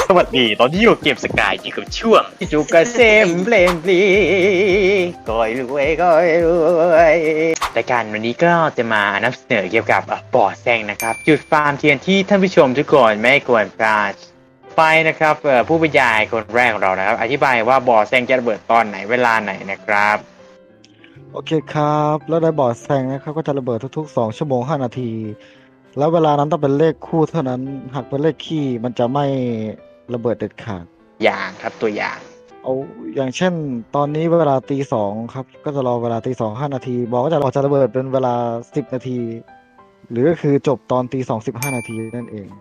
สวัสดีตอนที่อยู่เกมสกายอยู่กับช่วงจุกเกษมเพลงปลีก้อยรวยก้อยรวยรายการวันนี้ก็จะมานำเสนอเกี่ยวกับบ่อแซงนะครับจุดฟาร์มเทียนที่ท่านผู้ชมทุกคนไม่ควรพลาดไปนะครับผู้บรรยายคนแรกของเรานะครับอธิบายว่าบ่อแซงจะระเบิดตอนไหนเวลาไหนนะครับโอเคครับแล้วในบอร์ดแซงนะครับก็จะระเบิดทุกๆ2 ชั่วโมง 5 นาทีแล้วเวลานั้นต้องเป็นเลขคู่เท่านั้นหากเป็นเลขคี่มันจะไม่ระเบิดเด็ดขาดอย่างครับตัวอย่างเอาอย่างเช่นตอนนี้เวลาตี 2ครับก็จะรอเวลาตี 2 5 นาทีบอกว่าจะระเบิดเป็นเวลา10 นาทีหรือก็คือจบตอนตี 2 15 นาทีนั่นเอง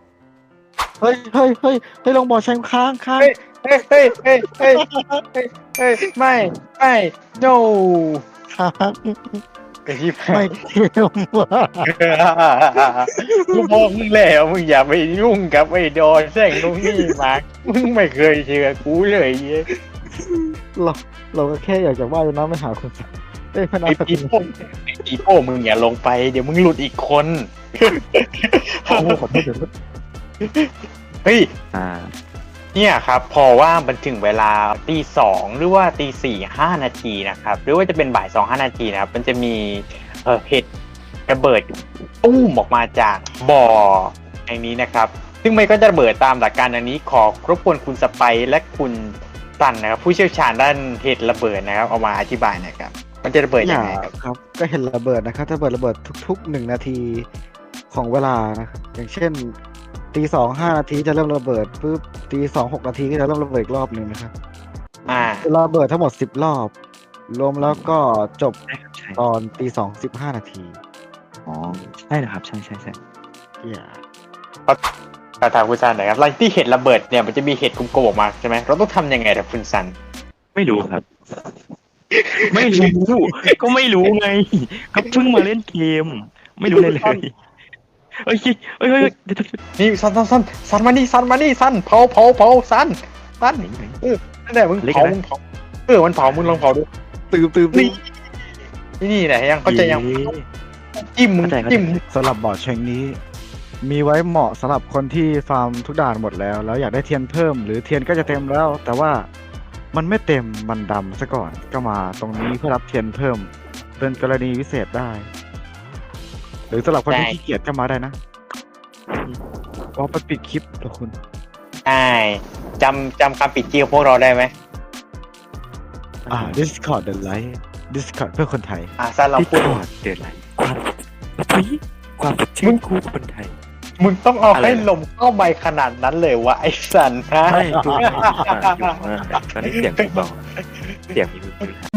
เฮ้ยลงบ่อแซงค้างเฮ้ยเฮ้ยเฮ้ยเฮ้ยเฮ้ยเฮ้ยไม่ no ค้างไอ้ที่ไม่เทียมว่ะกูบอกมึงแล้วมึงอย่าไปยุ่งกับไอ้ดอนแซงตรงนี้มามึงไม่เคยเชื่อกูเลยเราเราก็แค่อยากจะว่ายน้ำไม่หาคนพนักไอ้ปีโป้มึงอย่าลงไปเดี๋ยวมึงหลุดอีกคนขอโทษเดี๋ยวเฮ้ยเนี่ยครับพอว่ามันถึงเวลาตี 2หรือว่าตี 4 5 นาทีนะครับหรือว่าจะเป็นบ่าย 2 5 นาทีนะครับมันจะมีเห็ดระเบิดตุ้มออกมาจากบ่อแห่งนี้นะครับซึ่งมันก็จะระเบิดตามหลักการอันนี้ขอรบกวนคุณสไปร์และคุณตันนะครับผู้เชี่ยวชาญด้านเห็ดระเบิดนะครับเอามาอธิบายหน่อยครับมันจะระเบิดยังไงครับก็เห็นระเบิดนะครับจะระเบิดทุกๆ1 นาทีของเวลานะครับอย่างเช่นตี 2 5 นาทีจะเริ่มระเบิดปุ๊บตี 2 6 นาทีก็จะเริ่มระเบิดอีกรอบหนึ่งนะครับระเบิดทั้งหมด10 รอบรวมแล้วก็จบตอนตี 2 15 นาทีอ๋อใช่เหรอครับใช่ถามคุณซันหน่อยครับหลังที่เห็ดระเบิดเนี่ยมันจะมีเห็ดกลมๆออกมาใช่ไหมเราต้องทำยังไงครับคุณซันไม่รู้ครับ ไม่รู้ก็ไม่รู้ไงก็เพิ่งมาเล่นเกมไม่รู้เลยเฮ้ยนี่ซันมานี่ซันเผาซันนั่นแหละมึงเผามันเผามึงลองเผาดูตื่นนี่แหละยังเข้าใจยังจิ้มสำหรับบอร์ดเชงนี้มีไว้เหมาะสำหรับคนที่ฟาร์มทุกด่านหมดแล้วอยากได้เทียนเพิ่มหรือเทียนก็จะเต็มแล้วแต่ว่ามันไม่เต็มมันดำซะก่อนก็มาตรงนี้เพื่อรับเทียนเพิ่มเป็นกรณีพิเศษได้หรือสำหรับคนที่ขี้เกียจก็มาได้นะก็ไปปิดคลิปเหรอคุณใช่จำคำปิดเจียวพวกเราได้ไหม Discord The Light Discord เพื่อคนไทยซันเราพูด Discord The Light ความชื่นคู่คนไทยมึงต้องเอาให้ลมเข้าไปขนาดนั้นเลยวะไอ้สันฮะใช่ถูกตอนนี้เสียงเบาเสียงมีมือ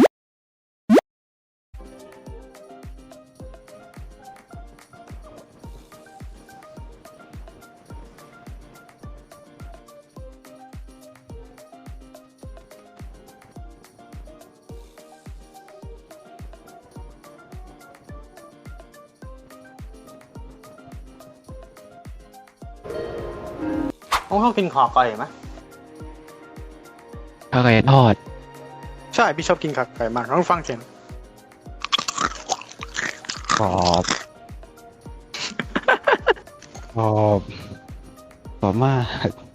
เขากินขอก่อยไหมข้าวไก่ทอดใช่พี่ชอบกินขาไก่มากต้องฟังเสียงกรอบกรอบมาก